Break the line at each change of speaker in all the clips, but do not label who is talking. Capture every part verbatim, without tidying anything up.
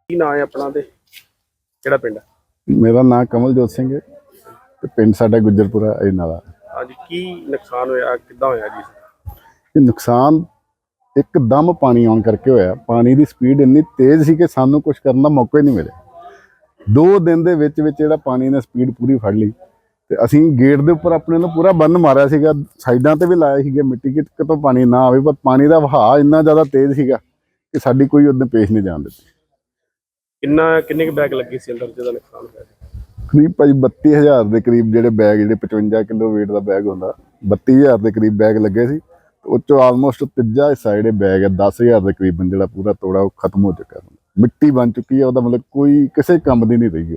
ਕੀ ਨਾਂ ਹੈ ਆਪਣਾ ਤੇ ਕਿਹੜਾ ਪਿੰਡ?
ਮੇਰਾ ਨਾਮ ਕਮਲਜੋਤ ਸਿੰਘ ਹੈ ਤੇ ਪਿੰਡ ਸਾਡਾ ਗੁੱਜਰਪੁਰਾ ਅਜਨਾਲਾ।
ਅੱਜ ਕੀ ਨੁਕਸਾਨ ਹੋਇਆ, ਕਿੱਦਾਂ ਹੋਇਆ ਜੀ?
ਇਹ ਨੁਕਸਾਨ ਇੱਕਦਮ ਪਾਣੀ ਆਉਣ ਕਰਕੇ ਹੋਇਆ। ਪਾਣੀ ਦੀ ਸਪੀਡ ਇੰਨੀ ਤੇਜ਼ ਸੀ ਕਿ ਸਾਨੂੰ ਕੁਝ ਕਰਨ ਦਾ ਮੌਕਾ ਹੀ ਨਹੀਂ ਮਿਲਿਆ। ਦੋ ਦਿਨ ਦੇ ਵਿੱਚ ਵਿੱਚ ਜਿਹੜਾ ਪਾਣੀ ਨੇ ਸਪੀਡ ਪੂਰੀ ਫੜ ਲਈ ਤੇ ਅਸੀਂ ਗੇਟ ਦੇ ਉੱਪਰ ਆਪਣੇ ਨੂੰ ਪੂਰਾ ਬੰਨ ਮਾਰਿਆ ਸੀਗਾ, ਸਾਈਡਾਂ ਤੇ ਵੀ ਲਾਇਆ ਸੀਗਾ ਮਿੱਟੀ ਕਿ ਕਿਤੋਂ ਪਾਣੀ ਨਾ ਆਵੇ, ਪਰ ਪਾਣੀ ਦਾ ਵਹਾਅ ਇੰਨਾ ਜ਼ਿਆਦਾ ਤੇਜ਼ ਸੀਗਾ ਕਿ ਸਾਡੀ ਕੋਈ ਉਹਦੇ ਪੇਸ਼ ਨਹੀਂ ਜਾਣ ਦਿੱਤੀ।
ਕਿੰਨਾ ਕਿੰਨੇ ਕੁ ਬੈਗ ਲੱਗੇ ਸੀ ਅੰਦਰ ਜਿਹਦਾ ਨੁਕਸਾਨ ਹੋਇਆ?
ਕਰੀਬ ਭਾਜੀ ਬੱਤੀ ਹਜ਼ਾਰ ਦੇ ਕਰੀਬ ਜਿਹੜੇ ਬੈਗ, ਜਿਹੜੇ ਪਚਵੰਜਾ ਕਿਲੋ ਵੇਟ ਦਾ ਬੈਗ ਹੁੰਦਾ, ਬੱਤੀ ਹਜ਼ਾਰ ਦੇ ਕਰੀਬ ਬੈਗ ਲੱਗੇ ਸੀ। ਉਹ 'ਚੋਂ ਆਲਮੋਸਟ ਤੀਜਾ ਹਿੱਸਾ ਜਿਹੜੇ ਬੈਗ ਹੈ ਦਸ ਹਜ਼ਾਰ ਦੇ ਕਰੀਬਨ ਜਿਹੜਾ ਪੂਰਾ ਤੋੜਾ ਉਹ ਖਤਮ ਹੋ ਚੁੱਕਾ, ਮਿੱਟੀ ਬਣ ਚੁੱਕੀ ਹੈ। ਉਹਦਾ ਮਤਲਬ ਕੋਈ ਕਿਸੇ ਕੰਮ ਦੀ ਨਹੀਂ ਰਹੀ। ਉਹ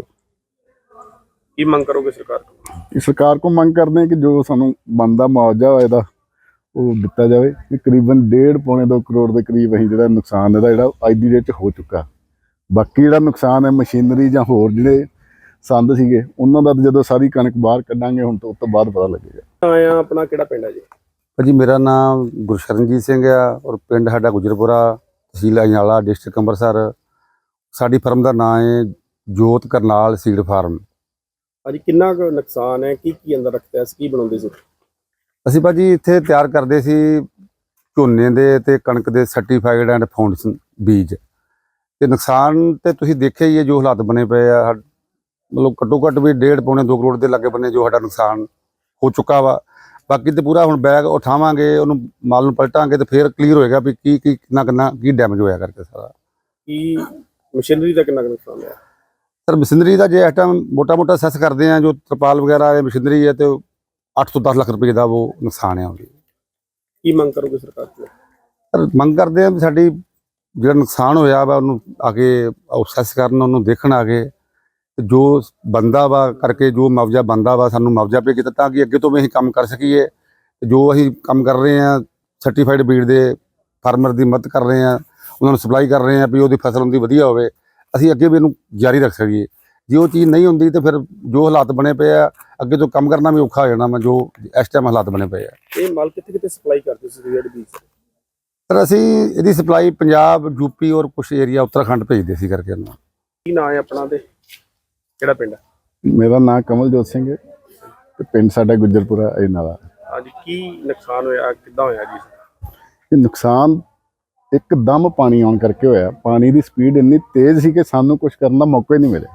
ਕੀ ਮੰਗ ਕਰੋਗੇ ਸਰਕਾਰ ਕੋਲ?
ਇਹ ਸਰਕਾਰ ਕੋਲ ਮੰਗ ਕਰਦੇ ਹਾਂ ਕਿ ਜੋ ਸਾਨੂੰ ਬਣਦਾ ਮੁਆਵਜ਼ਾ ਹੋਇਆ ਇਹਦਾ ਉਹ ਦਿੱਤਾ ਜਾਵੇ। ਕਿ ਕਰੀਬਨ ਡੇਢ ਪੌਣੇ ਦੋ ਕਰੋੜ ਦੇ ਕਰੀਬ ਅਸੀਂ ਜਿਹੜਾ ਨੁਕਸਾਨ ਇਹਦਾ ਜਿਹੜਾ ਅੱਜ ਦੀ ਡੇਟ 'ਚ ਹੋ ਚੁੱਕਾ। ਬਾਕੀ ਜਿਹੜਾ ਨੁਕਸਾਨ ਹੈ ਮਸ਼ੀਨਰੀ ਜਾਂ ਹੋਰ ਜਿਹੜੇ ਸੰਦ ਸੀਗੇ ਉਹਨਾਂ ਦਾ ਜਦੋਂ ਸਾਰੀ ਕਣਕ ਬਾਹਰ ਕੱਢਾਂਗੇ ਹੁਣ ਤੋਂ ਉਸ ਤੋਂ ਬਾਅਦ ਪਤਾ ਲੱਗੇਗਾ।
ਆਇਆ ਆਪਣਾ ਕਿਹੜਾ ਪਿੰਡ ਹੈ ਜੀ?
ਭਾਜੀ ਮੇਰਾ ਨਾਮ ਗੁਰਸ਼ਰਨਜੀਤ ਸਿੰਘ ਆ ਔਰ ਪਿੰਡ ਸਾਡਾ ਗੁਜਰਪੁਰਾ, ਤਹਿਸੀਲ ਅਜਨਾਲਾ, ਡਿਸਟ੍ਰਿਕਟ ਅੰਮ੍ਰਿਤਸਰ। ਸਾਡੀ ਫਰਮ ਦਾ ਨਾਮ ਹੈ ਜੋਤ ਕਰਨਾਲ ਸੀਡ ਫਾਰਮ।
ਅੱਜ ਕਿੰਨਾ ਕੁ ਨੁਕਸਾਨ ਹੈ, ਕੀ ਕੀ ਅੰਦਰ ਰੱਖਿਆ ਸੀ, ਕੀ ਬਣਾਉਂਦੇ ਸੀ?
ਅਸੀਂ ਭਾਜੀ ਇੱਥੇ ਤਿਆਰ ਕਰਦੇ ਸੀ ਝੋਨੇ ਦੇ ਤੇ ਕਣਕ ਦੇ ਸਰਟੀਫਾਈਡ ਐਂਡ ਫਾਊਂਡੇਸ਼ਨ ਬੀਜ। ਤੇ ਨੁਕਸਾਨ ਤੇ ਤੁਸੀਂ ਦੇਖਿਆ ਹੀ ਹੈ ਜੋ ਹਾਲਾਤ ਬਣੇ ਪਏ ਆ। ਮਤਲਬ ਘੱਟੋ ਘੱਟ ਵੀ ਡੇਢ ਪੌਣੇ ਦੋ ਕਰੋੜ ਦੇ ਲਾਗੇ ਬੰਨੇ ਜੋ ਸਾਡਾ ਨੁਕਸਾਨ ਹੋ ਚੁੱਕਾ ਵਾ। ਬਾਕੀ ਤੇ ਪੂਰਾ ਹੁਣ ਬੈਗ ਉਠਾਵਾਂਗੇ, ਉਹਨੂੰ ਮਾਲ ਨੂੰ ਪਲਟਾਂਗੇ ਤੇ ਫਿਰ ਕਲੀਅਰ ਹੋਏਗਾ ਵੀ ਕੀ ਕੀ ਕਿੰਨਾ ਕਿੰਨਾ ਕੀ ਡੈਮੇਜ ਹੋਇਆ ਕਰਕੇ ਸਾਰਾ।
ਕੀ ਮਸ਼ੀਨਰੀ ਦਾ ਕਿੰਨਾ ਕੁ ਨੁਕਸਾਨ ਹੋਇਆ?
ਸਰ ਮਸ਼ੀਨਰੀ ਦਾ ਜੇ ਇਸ ਟਾਈਮ ਮੋਟਾ ਮੋਟਾ ਸੈਸ ਕਰਦੇ ਆ, ਜੋ ਤਰਪਾਲ ਵਗੈਰਾ ਹੈ ਮਸ਼ੀਨਰੀ ਹੈ, ਤੇ ਅੱਠ ਤੋਂ ਦਸ ਲੱਖ ਰੁਪਏ ਦਾ ਉਹ ਨੁਕਸਾਨ ਹੈ ਉਹਦੀ।
ਕੀ ਮੰਗ ਕਰੋਗੇ ਸਰਕਾਰ ਕੋਲ?
ਸਰ ਮੰਗ ਕਰਦੇ ਆ ਵੀ ਸਾਡੀ ਜਿਹੜਾ ਨੁਕਸਾਨ ਹੋਇਆ ਵਾ ਉਹਨੂੰ ਆ ਕੇ ਸੈਸ ਕਰਨ, ਉਹਨੂੰ ਦੇਖਣ ਆ ਕੇ ਜੋ ਬੰਦਾ ਵਾ ਕਰਕੇ ਜੋ ਮੁਆਵਜ਼ਾ ਬੰਦਾ ਵਾ ਸਾਨੂੰ ਮੁਆਵਜ਼ਾ ਪੇ ਕੀਤਾ, ਤਾਂ ਕਿ ਅੱਗੇ ਤੋਂ ਵੀ ਅਸੀਂ ਕੰਮ ਕਰ ਸਕੀਏ। ਜੋ ਅਸੀਂ ਕੰਮ ਕਰ ਰਹੇ ਹਾਂ ਸਰਟੀਫਾਈਡ ਬੀਡ ਦੇ ਫਾਰਮਰ ਦੀ ਮਦਦ ਕਰ ਰਹੇ ਹਾਂ, ਉਹਨਾਂ ਨੂੰ ਸਪਲਾਈ ਕਰ ਰਹੇ ਹਾਂ ਵੀ ਉਹਦੀ ਫਸਲ ਉਹਦੀ ਵਧੀਆ ਹੋਵੇ, ਅਸੀਂ ਅੱਗੇ ਵੀ ਇਹਨੂੰ ਜਾਰੀ ਰੱਖ ਸਕੀਏ। ਜੇ ਉਹ ਚੀਜ਼ ਨਹੀਂ ਹੁੰਦੀ ਤਾਂ ਫਿਰ ਜੋ ਹਾਲਾਤ ਬਣੇ ਪਏ ਆ ਅੱਗੇ ਤੋਂ ਕੰਮ ਕਰਨਾ ਵੀ ਔਖਾ ਹੋ ਜਾਣਾ ਵਾ, ਜੋ ਇਸ ਟਾਈਮ ਹਾਲਾਤ ਬਣੇ ਪਏ ਆ।
ਇਹ ਮਾਲ ਕਿੱਥੇ ਕਿੱਥੇ ਸਪਲਾਈ ਕਰਦੇ ਸੀ ਜਿਹੜੇ ਬੀਜ?
ਸਰ ਅਸੀਂ ਇਹਦੀ ਸਪਲਾਈ ਪੰਜਾਬ, ਯੂਪੀ ਔਰ ਕੁਛ ਏਰੀਆ ਉੱਤਰਾਖੰਡ ਭੇਜਦੇ ਸੀ ਕਰਕੇ ਇਹਨੂੰ।
ਕੀ ਨਾਂ ਹੈ ਆਪਣਾ ਤੇ ਕਿਹੜਾ ਪਿੰਡ?
ਮੇਰਾ ਨਾਮ ਕਮਲਜੋਤ ਸਿੰਘ ਹੈ ਤੇ ਪਿੰਡ ਸਾਡਾ ਗੁੱਜਰਪੁਰਾ ਅਜਨਾਲਾ।
ਅੱਜ ਕੀ ਨੁਕਸਾਨ ਹੋਇਆ, ਕਿੱਦਾਂ ਹੋਇਆ ਜੀ?
ਇਹ ਨੁਕਸਾਨ ਇੱਕਦਮ ਪਾਣੀ ਆਉਣ ਕਰਕੇ ਹੋਇਆ। ਪਾਣੀ ਦੀ ਸਪੀਡ ਇੰਨੀ ਤੇਜ਼ ਸੀ ਕਿ ਸਾਨੂੰ ਕੁਝ ਕਰਨ ਦਾ ਮੌਕਾ ਹੀ ਨਹੀਂ ਮਿਲਿਆ।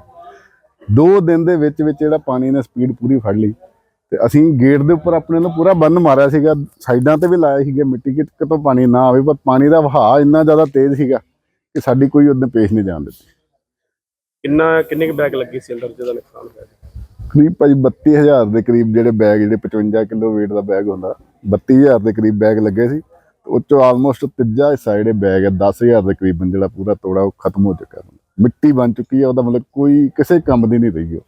ਦੋ ਦਿਨ ਦੇ ਵਿੱਚ ਵਿੱਚ ਜਿਹੜਾ ਪਾਣੀ ਨੇ ਸਪੀਡ ਪੂਰੀ ਫੜ ਲਈ ਤੇ ਅਸੀਂ ਗੇਟ ਦੇ ਉੱਪਰ ਆਪਣੇ ਨੂੰ ਪੂਰਾ ਬੰਨ ਮਾਰਿਆ ਸੀਗਾ, ਸਾਈਡਾਂ ਤੇ ਵੀ ਲਾਇਆ ਸੀਗਾ ਮਿੱਟੀ ਕਿ ਕਿਤੋਂ ਪਾਣੀ ਨਾ ਆਵੇ, ਪਰ ਪਾਣੀ ਦਾ ਵਹਾਅ ਇੰਨਾ ਜ਼ਿਆਦਾ ਤੇਜ਼ ਸੀਗਾ ਕਿ ਸਾਡੀ ਕੋਈ ਉਹਦੇ ਪੇਸ਼ ਨਹੀਂ ਜਾਣ ਦਿੱਤੀ।
ਕਿੰਨਾ ਕਿੰਨੇ ਕੁ ਬੈਗ ਲੱਗੇ ਸੀ ਅੰਦਰ ਜਿਹਦਾ ਨੁਕਸਾਨ ਹੋਇਆ?
ਕਰੀਬ ਭਾਜੀ ਬੱਤੀ ਹਜ਼ਾਰ ਦੇ ਕਰੀਬ ਜਿਹੜੇ ਬੈਗ, ਜਿਹੜੇ ਪਚਵੰਜਾ ਕਿਲੋ ਵੇਟ ਦਾ ਬੈਗ ਹੁੰਦਾ, ਬੱਤੀ ਹਜ਼ਾਰ ਦੇ ਕਰੀਬ ਬੈਗ ਲੱਗੇ ਸੀ। ਉਹ 'ਚੋਂ ਆਲਮੋਸਟ ਤੀਜਾ ਹਿੱਸਾ ਜਿਹੜੇ ਬੈਗ ਹੈ ਦਸ ਹਜ਼ਾਰ ਦੇ ਕਰੀਬਨ ਜਿਹੜਾ ਪੂਰਾ ਤੋੜਾ ਉਹ ਖਤਮ ਹੋ ਚੁੱਕਾ, ਮਿੱਟੀ ਬਣ ਚੁੱਕੀ ਹੈ। ਉਹਦਾ ਮਤਲਬ ਕੋਈ ਕਿਸੇ ਕੰਮ ਦੀ ਨਹੀਂ ਰਹੀ। ਉਹ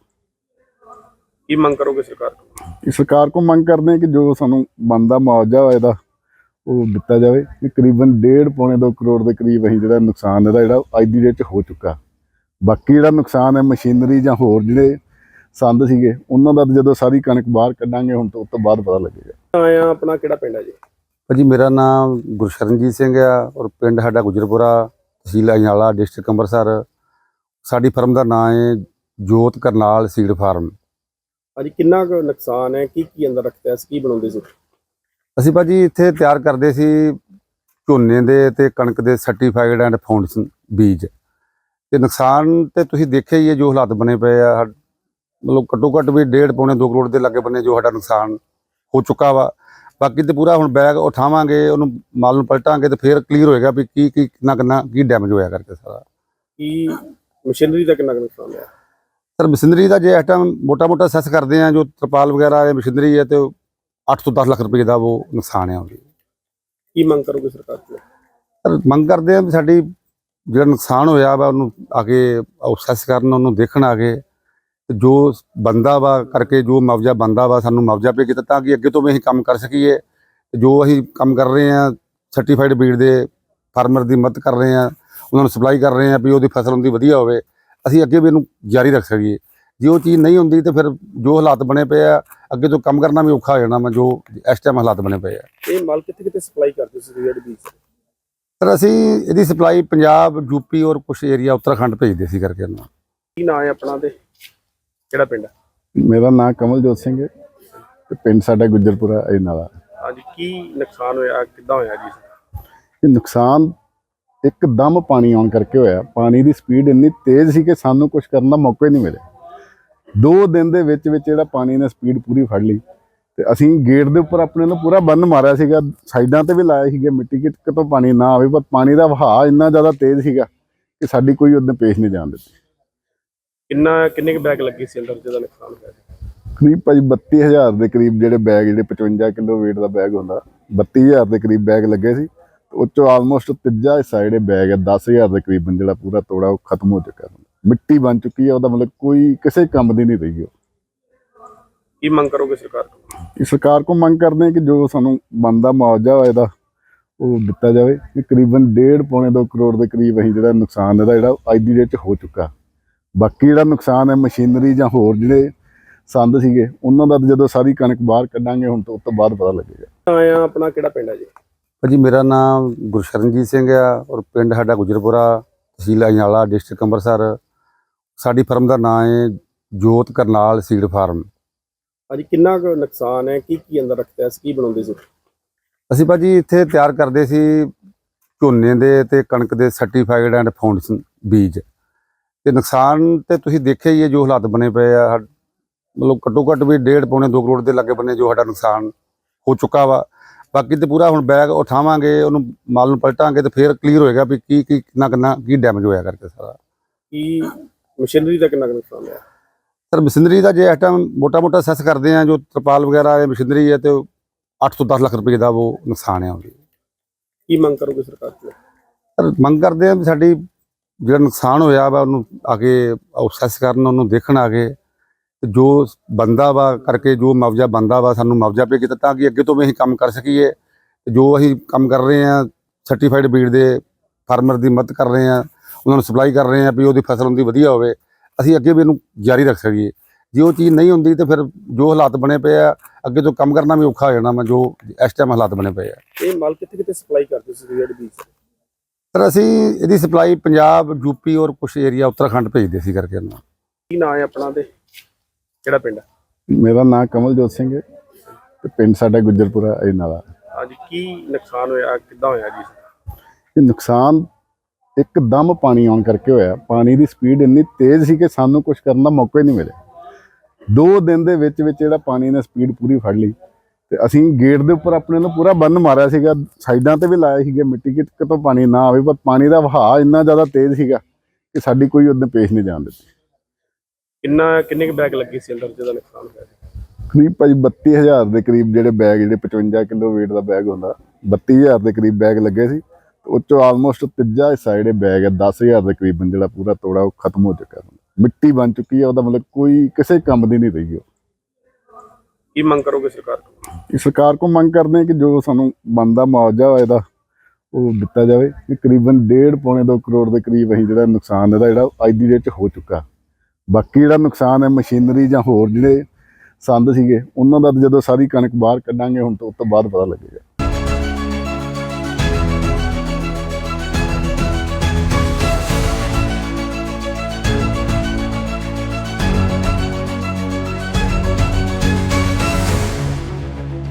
ਕੀ ਮੰਗ ਕਰੋਗੇ ਸਰਕਾਰ ਕੋਲ?
ਇਹ ਸਰਕਾਰ ਕੋਲ ਮੰਗ ਕਰਦੇ ਹਾਂ ਕਿ ਜੋ ਸਾਨੂੰ ਬਣਦਾ ਮੁਆਵਜ਼ਾ ਹੋਇਆ ਇਹਦਾ ਉਹ ਦਿੱਤਾ ਜਾਵੇ। ਕਿ ਕਰੀਬਨ ਡੇਢ ਪੌਣੇ ਦੋ ਕਰੋੜ ਦੇ ਕਰੀਬ ਅਸੀਂ ਜਿਹੜਾ ਨੁਕਸਾਨ ਇਹਦਾ ਜਿਹੜਾ ਅੱਜ ਦੀ ਡੇਟ 'ਚ ਹੋ ਚੁੱਕਾ। ਬਾਕੀ ਜਿਹੜਾ ਨੁਕਸਾਨ ਹੈ ਮਸ਼ੀਨਰੀ ਜਾਂ ਹੋਰ ਜਿਹੜੇ ਸੰਦ ਸੀਗੇ ਉਹਨਾਂ ਦਾ ਜਦੋਂ ਸਾਰੀ ਕਣਕ ਬਾਹਰ ਕੱਢਾਂਗੇ ਹੁਣ ਤੋਂ ਉਸ ਤੋਂ ਬਾਅਦ ਪਤਾ ਲੱਗੇਗਾ।
ਆਇਆ ਆਪਣਾ ਕਿਹੜਾ ਪਿੰਡ ਹੈ ਜੀ?
ਭਾਜੀ ਮੇਰਾ ਨਾਮ ਗੁਰਸ਼ਰਨਜੀਤ ਸਿੰਘ ਆ ਔਰ ਪਿੰਡ ਸਾਡਾ ਗੁਜਰਪੁਰਾ, ਤਹਿਸੀਲ ਅਜਨਾਲਾ, ਡਿਸਟ੍ਰਿਕਟ ਅੰਮ੍ਰਿਤਸਰ। ਸਾਡੀ ਫਰਮ ਦਾ ਨਾਮ ਹੈ ਜੋਤ ਕਰਨਾਲ ਸੀਡ ਫਾਰਮ।
ਅੱਜ ਕਿੰਨਾ ਕੁ ਨੁਕਸਾਨ ਹੈ, ਕੀ ਕੀ ਅੰਦਰ ਰੱਖਿਆ ਸੀ, ਕੀ ਬਣਾਉਂਦੇ ਸੀ?
ਅਸੀਂ ਭਾਜੀ ਇੱਥੇ ਤਿਆਰ ਕਰਦੇ ਸੀ ਝੋਨੇ ਦੇ ਤੇ ਕਣਕ ਦੇ ਸਰਟੀਫਾਈਡ ਐਂਡ ਫਾਊਂਡੇਸ਼ਨ ਬੀਜ। ਤੇ ਨੁਕਸਾਨ ਤੇ ਤੁਸੀਂ ਦੇਖਿਆ ਹੀ ਹੈ ਜੋ ਹਾਲਾਤ ਬਣੇ ਪਏ ਆ। ਮਤਲਬ ਘੱਟੋ ਘੱਟ ਵੀ ਡੇਢ ਪੌਣੇ ਦੋ ਕਰੋੜ ਦੇ ਲਾਗੇ ਬੰਨੇ ਜੋ ਸਾਡਾ ਨੁਕਸਾਨ ਹੋ ਚੁੱਕਾ ਵਾ। ਬਾਕੀ ਤੇ ਪੂਰਾ ਹੁਣ ਬੈਗ ਉਠਾਵਾਂਗੇ, ਉਹਨੂੰ ਮਾਲ ਨੂੰ ਪਲਟਾਂਗੇ ਤੇ ਫਿਰ ਕਲੀਅਰ ਹੋਏਗਾ ਵੀ ਕੀ ਕੀ ਕਿੰਨਾ ਕਿੰਨਾ ਕੀ ਡੈਮੇਜ ਹੋਇਆ ਕਰਕੇ ਸਾਰਾ।
ਕੀ ਮਸ਼ੀਨਰੀ ਦਾ ਕਿੰਨਾ ਕੁ ਨੁਕਸਾਨ ਹੋਇਆ?
ਸਰ ਮਸ਼ੀਨਰੀ ਦਾ ਜੇ ਇਸ ਟਾਈਮ ਮੋਟਾ ਮੋਟਾ ਸੈਸ ਕਰਦੇ ਆ, ਜੋ ਤਰਪਾਲ ਵਗੈਰਾ ਹੈ ਮਸ਼ੀਨਰੀ ਹੈ, ਤੇ ਅੱਠ ਤੋਂ ਦਸ ਲੱਖ ਰੁਪਏ ਦਾ ਉਹ ਨੁਕਸਾਨ ਹੈ ਉਹਦੀ।
ਕੀ ਮੰਗ ਕਰੋਗੇ ਸਰਕਾਰ ਕੋਲ?
ਸਰ ਮੰਗ ਕਰਦੇ ਆ ਵੀ ਸਾਡੀ ਜਿਹੜਾ ਨੁਕਸਾਨ ਹੋਇਆ ਵਾ ਉਹਨੂੰ ਆ ਕੇ ਸੈਸ ਕਰਨ, ਉਹਨੂੰ ਦੇਖਣ ਆ ਕੇ ਜੋ ਬੰਦਾ ਵਾ ਕਰਕੇ ਜੋ ਮੁਆਵਜ਼ਾ ਬੰਦਾ ਵਾ ਸਾਨੂੰ ਮੁਆਵਜ਼ਾ ਪੇ ਕੀਤਾ, ਤਾਂ ਕਿ ਅੱਗੇ ਤੋਂ ਵੀ ਅਸੀਂ ਕੰਮ ਕਰ ਸਕੀਏ। ਜੋ ਅਸੀਂ ਕੰਮ ਕਰ ਰਹੇ ਹਾਂ ਸਰਟੀਫਾਈਡ ਬੀਡ ਦੇ ਫਾਰਮਰ ਦੀ ਮਦਦ ਕਰ ਰਹੇ ਹਾਂ, ਉਹਨਾਂ ਨੂੰ ਸਪਲਾਈ ਕਰ ਰਹੇ ਹਾਂ ਵੀ ਉਹਦੀ ਫਸਲ ਉਹਦੀ ਵਧੀਆ ਹੋਵੇ, ਅਸੀਂ ਅੱਗੇ ਵੀ ਇਹਨੂੰ ਜਾਰੀ ਰੱਖ ਸਕੀਏ। ਜੇ ਉਹ ਚੀਜ਼ ਨਹੀਂ ਹੁੰਦੀ ਤਾਂ ਫਿਰ ਜੋ ਹਾਲਾਤ ਬਣੇ ਪਏ ਆ ਅੱਗੇ ਤੋਂ ਕੰਮ ਕਰਨਾ ਵੀ ਔਖਾ ਹੋ ਜਾਣਾ ਵਾ, ਜੋ ਇਸ ਟਾਈਮ ਹਾਲਾਤ ਬਣੇ ਪਏ ਆ।
ਇਹ ਮਾਲ ਕਿੱਥੇ ਕਿੱਥੇ ਸਪਲਾਈ ਕਰਦੇ ਸੀ ਜਿਹੜੇ ਬੀਜ?
ਸਰ ਅਸੀਂ ਇਹਦੀ ਸਪਲਾਈ ਪੰਜਾਬ ਯੂਪੀ ਔਰ ਕੁਝ ਏਰੀਆ ਉੱਤਰਾਖੰਡ ਭੇਜਦੇ ਸੀ ਕਰਕੇ ਇਹਨੂੰ।
ਕੀ ਨਾਂ ਹੈ ਆਪਣਾ ਤੇ ਕਿਹੜਾ ਪਿੰਡ ਹੈ?
ਮੇਰਾ ਨਾਮ ਕਮਲਜੋਤ ਸਿੰਘ ਹੈ ਤੇ ਪਿੰਡ ਸਾਡਾ ਗੁੱਜਰਪੁਰਾ ਅਜਨਾਲਾ।
ਅੱਜ ਕੀ ਨੁਕਸਾਨ ਹੋਇਆ, ਕਿੱਦਾਂ ਹੋਇਆ ਜੀ?
ਇਹ ਨੁਕਸਾਨ ਇੱਕਦਮ ਪਾਣੀ ਆਉਣ ਕਰਕੇ ਹੋਇਆ। ਪਾਣੀ ਦੀ ਸਪੀਡ ਇੰਨੀ ਤੇਜ਼ ਸੀ ਕਿ ਸਾਨੂੰ ਕੁਝ ਕਰਨ ਦਾ ਮੌਕਾ ਹੀ ਨਹੀਂ ਮਿਲਿਆ। ਦੋ ਦਿਨ ਦੇ ਵਿੱਚ ਵਿੱਚ ਜਿਹੜਾ ਪਾਣੀ ਨੇ ਸਪੀਡ ਪੂਰੀ ਫੜ ਲਈ ਤੇ ਅਸੀਂ ਗੇਟ ਦੇ ਉੱਪਰ ਆਪਣੇ ਨੂੰ ਪੂਰਾ ਬੰਨ ਮਾਰਿਆ ਸੀਗਾ, ਸਾਈਡਾਂ ਤੇ ਵੀ ਲਾਇਆ ਸੀਗਾ ਮਿੱਟੀ ਕਿ ਕਿਤੋਂ ਪਾਣੀ ਨਾ ਆਵੇ, ਪਰ ਪਾਣੀ ਦਾ ਵਹਾਅ ਇੰਨਾ ਜ਼ਿਆਦਾ ਤੇਜ਼ ਸੀਗਾ ਕਿ ਸਾਡੀ ਕੋਈ ਉਹਦੇ ਪੇਸ਼ ਨਹੀਂ ਜਾਣ ਦਿੱਤੀ।
ਕਿੰਨਾ ਕਿੰਨੇ ਕੁ ਬੈਗ ਲੱਗੀ ਸੀ ਅੰਦਰ ਜਿਹਦਾ ਨੁਕਸਾਨ ਹੋਇਆ?
ਕਰੀਬ ਭਾਜੀ ਬੱਤੀ ਹਜ਼ਾਰ ਦੇ ਕਰੀਬ ਜਿਹੜੇ ਬੈਗ, ਜਿਹੜੇ ਪਚਵੰਜਾ ਕਿਲੋ weight ਦਾ ਬੈਗ ਹੁੰਦਾ, ਬੱਤੀ ਹਜ਼ਾਰ ਦੇ ਕਰੀਬ ਬੈਗ ਲੱਗੇ ਸੀ। ਉਹ 'ਚੋਂ ਆਲਮੋਸਟ ਤੀਜਾ ਹਿੱਸਾ ਜਿਹੜੇ ਬੈਗ ਹੈ ਦਸ ਹਜ਼ਾਰ ਦੇ ਕਰੀਬਨ ਜਿਹੜਾ ਪੂਰਾ ਤੋੜਾ ਉਹ ਖਤਮ ਹੋ ਚੁੱਕਾ, ਮਿੱਟੀ ਬਣ ਚੁੱਕੀ ਹੈ। ਉਹਦਾ ਮਤਲਬ ਕੋਈ ਕਿਸੇ ਕੰਮ ਦੀ ਨਹੀਂ ਰਹੀ। ਉਹ
ਕੀ ਮੰਗ ਕਰੋਗੇ ਸਰਕਾਰ ਤੋਂ?
ਇਹ ਸਰਕਾਰ ਕੋਲ ਮੰਗ ਕਰਦੇ ਹਾਂ ਕਿ ਜੋ ਸਾਨੂੰ ਬਣਦਾ ਮੁਆਵਜ਼ਾ ਹੋਇਆ ਇਹਦਾ ਉਹ ਦਿੱਤਾ ਜਾਵੇ। ਕਿ ਕਰੀਬਨ ਡੇਢ ਪੌਣੇ ਦੋ ਕਰੋੜ ਦੇ ਕਰੀਬ ਅਸੀਂ ਜਿਹੜਾ ਨੁਕਸਾਨ ਇਹਦਾ ਜਿਹੜਾ ਅੱਜ ਦੀ ਡੇਟ 'ਚ ਹੋ ਚੁੱਕਾ। ਬਾਕੀ ਜਿਹੜਾ ਨੁਕਸਾਨ ਹੈ ਮਸ਼ੀਨਰੀ ਜਾਂ ਹੋਰ ਜਿਹੜੇ ਸੰਦ ਸੀਗੇ ਉਹਨਾਂ ਦਾ ਜਦੋਂ ਸਾਰੀ ਕਣਕ ਬਾਹਰ ਕੱਢਾਂਗੇ ਹੁਣ ਤੋਂ ਉਸ ਤੋਂ ਬਾਅਦ ਪਤਾ ਲੱਗੇਗਾ।
ਆਇਆ ਆਪਣਾ ਕਿਹੜਾ ਪਿੰਡ ਹੈ ਜੀ?
ਭਾਜੀ ਮੇਰਾ ਨਾਮ ਗੁਰਸ਼ਰਨਜੀਤ ਸਿੰਘ ਆ ਔਰ ਪਿੰਡ ਸਾਡਾ ਗੁਜਰਪੁਰਾ, ਤਹਿਸੀਲ ਅਜਨਾਲਾ, ਡਿਸਟ੍ਰਿਕਟ ਅੰਮ੍ਰਿਤਸਰ। ਸਾਡੀ ਫਰਮ ਦਾ ਨਾਮ ਹੈ ਜੋਤ ਕਰਨਾਲ ਸੀਡ ਫਾਰਮ।
ਅੱਜ ਕਿੰਨਾ ਕੁ ਨੁਕਸਾਨ ਹੈ, ਕੀ ਕੀ ਅੰਦਰ ਰੱਖਿਆ ਸੀ, ਕੀ ਬਣਾਉਂਦੇ ਸੀ?
ਅਸੀਂ ਭਾਜੀ ਇੱਥੇ ਤਿਆਰ ਕਰਦੇ ਸੀ ਝੋਨੇ ਦੇ ਤੇ ਕਣਕ ਦੇ ਸਰਟੀਫਾਈਡ ਐਂਡ ਫਾਊਂਡੇਸ਼ਨ ਬੀਜ। ਤੇ ਨੁਕਸਾਨ ਤੇ ਤੁਸੀਂ ਦੇਖਿਆ ਹੀ ਹੈ ਜੋ ਹਾਲਾਤ ਬਣੇ ਪਏ ਆ। ਮਤਲਬ ਘੱਟੋ ਘੱਟ ਵੀ ਡੇਢ ਪੌਣੇ ਦੋ ਕਰੋੜ ਦੇ ਲਾਗੇ ਬੰਨੇ ਜੋ ਸਾਡਾ ਨੁਕਸਾਨ ਹੋ ਚੁੱਕਾ ਵਾ। ਬਾਕੀ ਤੇ ਪੂਰਾ ਹੁਣ ਬੈਗ ਉਠਾਵਾਂਗੇ, ਉਹਨੂੰ ਮਾਲ ਨੂੰ ਪਲਟਾਂਗੇ ਤੇ ਫਿਰ ਕਲੀਅਰ ਹੋਏਗਾ ਵੀ ਕੀ ਕੀ ਕਿੰਨਾ ਕਿੰਨਾ ਕੀ ਡੈਮੇਜ ਹੋਇਆ ਕਰਕੇ ਸਾਰਾ।
ਕੀ ਮਸ਼ੀਨਰੀ ਦਾ ਕਿੰਨਾ ਕੁ ਨੁਕਸਾਨ ਹੋਇਆ?
ਸਰ ਮਸ਼ੀਨਰੀ ਦਾ ਜੇ ਇਸ ਟਾਈਮ ਮੋਟਾ ਮੋਟਾ ਸੈਸ ਕਰਦੇ ਆ, ਜੋ ਤਰਪਾਲ ਵਗੈਰਾ ਇਹ ਮਸ਼ੀਨਰੀ ਹੈ ਤੇ ਅੱਠ ਤੋਂ ਦਸ ਲੱਖ ਰੁਪਏ ਦਾ ਉਹ ਨੁਕਸਾਨ ਹੈ ਉਹਦੀ।
ਕੀ ਮੰਗ ਕਰੋਗੇ ਸਰਕਾਰ ਤੋਂ?
ਸਰ ਮੰਗ ਕਰਦੇ ਆ ਵੀ ਸਾਡੀ ਜਿਹੜਾ ਨੁਕਸਾਨ ਹੋਇਆ ਵਾ ਉਹਨੂੰ ਆ ਕੇ ਅਸੈਸ ਕਰਨ, ਉਹਨੂੰ ਦੇਖਣ ਆ ਕੇ ਤੇ ਜੋ ਬੰਦਾ ਵਾ ਕਰਕੇ ਜੋ ਮੁਆਵਜ਼ਾ ਬੰਦਾ ਵਾ ਸਾਨੂੰ ਮੁਆਵਜ਼ਾ ਪੇ ਕੀਤਾ ਤਾਂ ਕਿ ਅੱਗੇ ਤੋਂ ਵੀ ਅਸੀਂ ਕੰਮ ਕਰ ਸਕੀਏ। ਜੋ ਅਸੀਂ ਕੰਮ ਕਰ ਰਹੇ ਹਾਂ ਸਰਟੀਫਾਈਡ ਬੀਡ ਦੇ ਫਾਰਮਰ ਦੀ ਮਦਦ ਕਰ ਰਹੇ ਹਾਂ, ਉਹਨਾਂ ਨੂੰ ਸਪਲਾਈ ਕਰ ਰਹੇ ਹਾਂ ਵੀ ਉਹਦੀ ਫਸਲ ਉਹਦੀ ਵਧੀਆ ਹੋਵੇ, ਅਸੀਂ ਅੱਗੇ ਵੀ ਇਹਨੂੰ ਜਾਰੀ ਰੱਖ ਸਕੀਏ। ਜੇ ਉਹ ਚੀਜ਼ ਨਹੀਂ ਹੁੰਦੀ ਤੇ ਫਿਰ ਜੋ ਹਾਲਾਤ ਬਣੇ ਪਏ ਆ ਅੱਗੇ ਤੋਂ ਕੰਮ ਕਰਨਾ ਵੀ ਔਖਾ ਹੋ ਜਾਣਾ ਵਾ ਜੋ ਇਸ ਟਾਈਮ ਹਾਲਾਤ ਬਣੇ ਪਏ ਆ।
ਇਹ ਮਾਲ ਕਿੱਥੇ ਕਿੱਥੇ ਸਪਲਾਈ ਕਰਦੇ ਸੀ ਜਿਹੜੇ ਬੀਜ?
ਸਰ ਅਸੀਂ ਇਹਦੀ ਸਪਲਾਈ ਪੰਜਾਬ ਯੂਪੀ ਔਰ ਕੁਝ ਏਰੀਆ ਉੱਤਰਾਖੰਡ ਭੇਜਦੇ ਸੀ ਕਰਕੇ ਇਹਨੂੰ।
ਕੀ ਨਾਂ ਹੈ ਆਪਣਾ ਤੇ ਕਿਹੜਾ ਪਿੰਡ ਹੈ?
ਮੇਰਾ ਨਾਮ ਕਮਲਜੋਤ ਸਿੰਘ ਹੈ ਤੇ ਪਿੰਡ ਸਾਡਾ ਗੁੱਜਰਪੁਰਾ ਅਜਨਾਲਾ।
ਅੱਜ ਕੀ ਨੁਕਸਾਨ ਹੋਇਆ, ਕਿੱਦਾਂ ਹੋਇਆ ਜੀ?
ਇਹ ਨੁਕਸਾਨ ਇੱਕਦਮ ਪਾਣੀ ਆਉਣ ਕਰਕੇ ਹੋਇਆ। ਪਾਣੀ ਦੀ ਸਪੀਡ ਇੰਨੀ ਤੇਜ਼ ਸੀ ਕਿ ਸਾਨੂੰ ਕੁਝ ਕਰਨ ਦਾ ਮੌਕਾ ਹੀ ਨਹੀਂ ਮਿਲਿਆ। ਦੋ ਦਿਨ ਦੇ ਵਿੱਚ ਵਿੱਚ ਜਿਹੜਾ ਪਾਣੀ ਨੇ ਸਪੀਡ ਪੂਰੀ ਫੜ ਲਈ ਤੇ ਅਸੀਂ ਗੇਟ ਦੇ ਉੱਪਰ ਆਪਣੇ ਨੂੰ ਪੂਰਾ ਬੰਨ ਮਾਰਿਆ ਸੀਗਾ, ਸਾਈਡਾਂ ਤੇ ਵੀ ਲਾਇਆ ਸੀਗਾ ਮਿੱਟੀ ਕਿ ਕਿਤੋਂ ਪਾਣੀ ਨਾ ਆਵੇ, ਪਰ ਪਾਣੀ ਦਾ ਵਹਾਅ ਇੰਨਾ ਜ਼ਿਆਦਾ ਤੇਜ਼ ਸੀਗਾ ਕਿ ਸਾਡੀ ਕੋਈ ਉਹਦੇ ਪੇਸ਼ ਨਹੀਂ ਜਾਣ ਦਿੱਤੀ।
ਕਿੰਨਾ ਕਿੰਨੇ ਕੁ ਬੈਗ ਲੱਗੀ ਸੀ ਅੰਦਰ ਜਿਹਦਾ ਨੁਕਸਾਨ ਹੋਇਆ?
ਕਰੀਬ ਭਾਜੀ ਬੱਤੀ ਹਜ਼ਾਰ ਦੇ ਕਰੀਬ ਜਿਹੜੇ ਬੈਗ, ਜਿਹੜੇ ਪਚਵੰਜਾ ਕਿਲੋ weight ਦਾ ਬੈਗ ਹੁੰਦਾ, ਬੱਤੀ ਹਜ਼ਾਰ ਦੇ ਕਰੀਬ ਬੈਗ ਲੱਗੇ ਸੀ। ਉਹ 'ਚੋਂ ਆਲਮੋਸਟ ਤੀਜਾ ਹਿੱਸਾ ਜਿਹੜੇ ਬੈਗ ਹੈ ਦਸ ਹਜ਼ਾਰ ਦੇ ਕਰੀਬਨ ਜਿਹੜਾ ਪੂਰਾ ਤੋੜਾ ਉਹ ਖਤਮ ਹੋ ਚੁੱਕਾ, ਮਿੱਟੀ ਬਣ ਚੁੱਕੀ ਹੈ। ਉਹਦਾ ਮਤਲਬ ਕੋਈ ਕਿਸੇ ਕੰਮ ਦੀ ਨਹੀਂ ਰਹੀ। ਉਹ
ਕੀ ਮੰਗ ਕਰੋਗੇ ਸਰਕਾਰ ਤੋਂ?
ਇਹ ਸਰਕਾਰ ਕੋਲ ਮੰਗ ਕਰਦੇ ਹਾਂ ਕਿ ਜੋ ਸਾਨੂੰ ਬਣਦਾ ਮੁਆਵਜ਼ਾ ਹੋਇਆ ਇਹਦਾ ਉਹ ਦਿੱਤਾ ਜਾਵੇ। ਕਿ ਕਰੀਬਨ ਡੇਢ ਪੌਣੇ ਦੋ ਕਰੋੜ ਦੇ ਕਰੀਬ ਅਸੀਂ ਜਿਹੜਾ ਨੁਕਸਾਨ ਇਹਦਾ ਜਿਹੜਾ ਅੱਜ ਦੀ ਡੇਟ 'ਚ ਹੋ ਚੁੱਕਾ। ਬਾਕੀ ਜਿਹੜਾ ਨੁਕਸਾਨ ਹੈ ਮਸ਼ੀਨਰੀ ਜਾਂ ਹੋਰ ਜਿਹੜੇ ਸੰਦ ਸੀਗੇ ਉਹਨਾਂ ਦਾ ਜਦੋਂ ਸਾਰੀ ਕਣਕ ਬਾਹਰ ਕੱਢਾਂਗੇ ਹੁਣ ਤੋਂ ਉਸ ਤੋਂ ਬਾਅਦ ਪਤਾ ਲੱਗੇਗਾ।